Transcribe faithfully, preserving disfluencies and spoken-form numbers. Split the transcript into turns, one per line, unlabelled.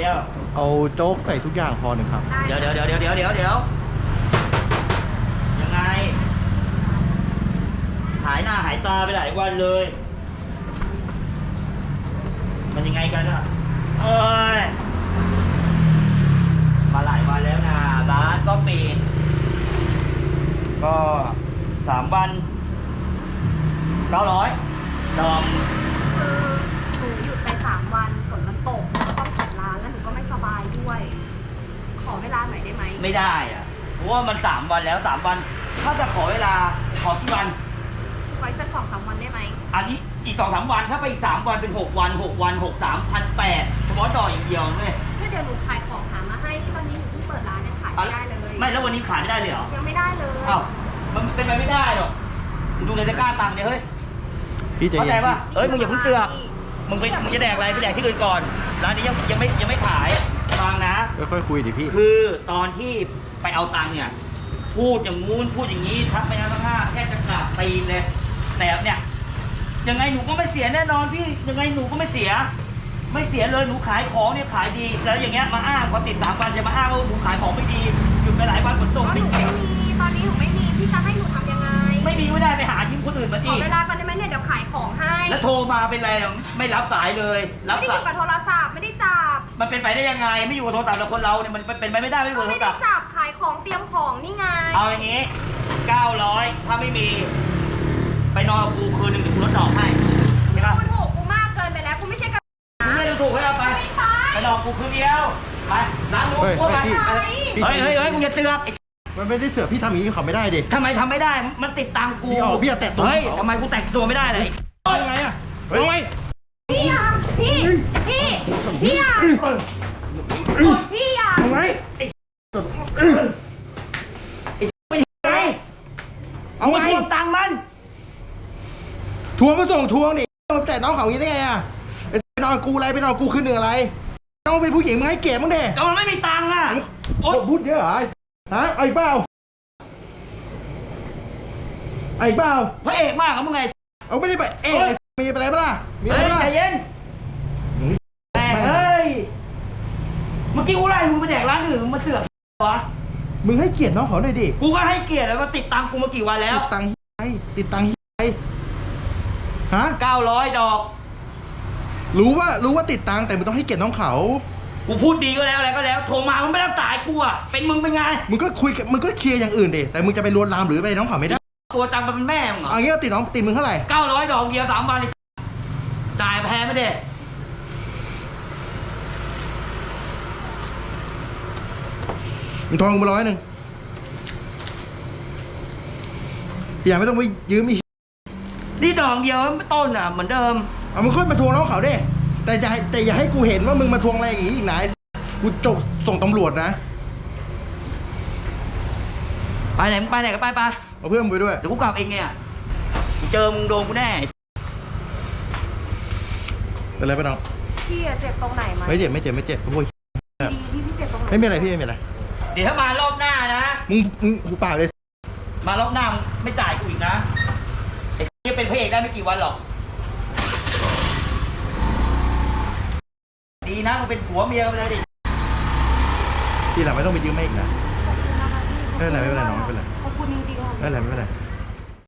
แล้ว
เอาโจ๊กใส่ทุกอย่างพอหนึ่งครับ
เดี๋ยวเดี๋ยวเดี๋ยวเดี๋ยวเดี๋ยวเดี๋ยวเดี๋ยวยังไงหายหน้าหายตาไปหลายวันเลยมันยังไงกันอ่ะเอ้ยมาหลายวันแล้วนะร้านก็ปิดก็สามวันเก้าร้อยดอม
คือหนูหยุดไปสามวันฝนมันตกแล้วก็ต้องปิดร้านแล้วหนูก็ไม่สบายด้วย ขอเวลาหน่อยได้ไหม
ไม่ได้อะเพราะว่ามันสามวันแล้วสามวันถ้าจะขอเวลาขอกี่วัน
ขออีกสักสองสามวันได้ไหม
อันนี้อีกสองสามวันถ้าไปอีกสามวันเป็นหกวันหกวันหกสามพันแปดเฉพาะดอกอย่างเดียวเลย
ถ้าเดี๋ยวหนูขายของหามาให้ที่ตอนนี้หนูเพิ่งเปิดร้านยังขายไม่ได้เลย
ไม่แล้ววันนี้ขายไม่ได้เลยเหรอ
ยังไม่ได้เลย
อ้าวมันเป็นไปไม่ได้หรอกดูในตะกร้าตังค์เนี่ยเฮ้ย
พี่ใจ
เข้าใจ
เย็น
ป่ะเอ้ยมึงอย่าเพิ่งเสือกมึงไปมึงจะแดกอะไรไปแดกที่อื่นก่อนร้านนี้ยังยังไม่ยังไม่ขายฟังนะ
ค่อยๆคุยดิพี่
คือตอนที่ไปเอาตังค์เนี่ยพูดอย่างงู้นพูดอย่างนี้ชักไปนะทั้งห้าแค่จะกราบตีนเลยแต่เนี่ยยังไงหนูก็ไม่เสียแน่นอนพี่ยังไงหนูก็ไม่เสียไม่เสียเลยหนูขายของเนี่ยขายดีแล้วอย่างเงี้ยมาอ้างพอติดสามวันจะมาอ้างว่าหนูขายของไม่ดีหยุดไปหลายวันฝนตก
ไม่มีตอนนี้หนูไม่มีพี่จะให้หนูทำยังไง
ไม่มีไม่ได้ไปหายิ้มคนอื่นมา
ข
ดิ
อเวลาก่อนได้ไหมเนี่ยเดี๋ยวขายของให้
แล้วโทรมาเป็นไรไม่รับสายเลย
รับไม่ได้อยู่กับโทรศัพท์ไม่ได้จับ
มันเป็นไปได้ยังไงไม่อยู่กับโทรศัพท์แล้วคนเราเนี่ยมันเป็นไปไม่ได้ไม่อยู่กับโทรศัพท์
ไม่ได้จับขายของเตรียมของนี่ไง
เอาอย่างนี้เก้าร้อยถ้าไม่มีไปนอนกับกูคืนหนึ่งเดี๋ยวกูลดดอกให้ใช่ปะ
กูถูกกูมากเกินไปแล้วกูไม่ใช่กับ
ไม่ได้ถูกให้เอาไปไปนอนกูคืนเดียวไปร้านนู้นพวกไปเฮ้ยเฮ้ยเฮ้ยมึงอย่าเตือก
มันไม่ได้เสือกพี่ทำอย่างนี้เขาไม่ได้ดิ
ทำไมทำไม่ได้มันติดตังกู
พี่ออกพี่แตะตัว
เฮ้ยทำไมกูแตะตัวไม่ได้เลย
ยังไงอะเฮ้ย
พี่อ่ะพี่พี่พี่อ่ะพี่อ่ะ
ยังไงเอาไง
ทวงตังค์มัน
ทวงก็ส่งทวงดิแต่น้องเขาอย่างนี้ได้ไงอะไปนอนกูอะไรไปนอนกูคืนหนึ่งอะไรน้องเป็นผู้หญิงมึงให้เก็บมึงเด็ก
ก็มันไม่มีตังค์อะ
โอ้พูดเยอะเหรอฮะไอ้เปล่าไอ้เปล่า
พระเอกมากครับมึงไง
เอาไม่ได้ไปเอ๊ะมีอะไรบ้างมีอะไรบ้าง
ใจเย็นเฮ้ยเมื่อกี้กูไล่มึงไปแดกร้านอื่นมึงมาเสือกวะ
มึงให้เกียรติน้องเขาหน่อยดิ
กูก็ให้เกียรติแล้วก็ติดตังกูมากี่วันแล้ว
ติดตังไอ้ติดตังไอ้ฮะ
เก้าร้อยดอก
รู้ว่ารู้ว่าติดตังแต่มึงต้องให้เกียรติน้องเขา
กูพูดดีก็แล้วอะไรก็แล้วโทรมามึงไม่รับสายกูอ่ะเป็นมึงเป็นไง
มึงก็คุยมึงก็เคลียร์อย่างอื่นดิแต่มึงจะไปลวนลามหรือไปน้องเขาไม่ได้
ตัวจังมันเป็นแม่มึงเหรอ
เอางี้ติดน้องติดมึงเท่าไหร่
เก้าร้อยดอกเดียวสามวันจ่ายแพงไม่ได้
มึงทองมาร้อยหนึ่งอย่าไม่ต้องไปยืมอีก
นี่ดอกเดียวต้นอ่ะเหมือนเดิม
เอามึงค่อยมาทวงน้องเขาดิแต่อย่าแต่อย่าให้กูเห็นว่ามึงมาทวงอะไรอย่างนี้อีกนะกูจบส่งตำรวจนะ
ไปไหนมึงไปไหนก็ไปไป
เอาเพื่อนมึงไปด้วย
เดี๋ยวกูกลับเองไงเจอมึงโดนกูแน่
เป็นไรปะน้อง
พี่เจ็บตรงไหนไหม
ไม่เจ็บไม่เจ็บไม่เจ็บโอ้ย
ดีที่พี่เจ็บตรงไหน
ไม่มีอะไรพี่ไม่มีอะไร
เดี๋ยวถ้ามารอบหน้านะ
มึงมึงหูเปล่าเลย
มารอบหน้าไม่จ่ายกูอีกนะไอ้ที่เป็นพระเอกได้ไม่กี่วันหรอกดีนะมึงเป็นผัวเมียกันเลยดิ
ทีหลังไม่ต้องไปยืมไม่อีกนะไม่เป็นไรไม่เป็นไรน้องไม่เป็นไร
ขอบคุณจริงๆ
ไม่เป็นไรไม่เป็นไร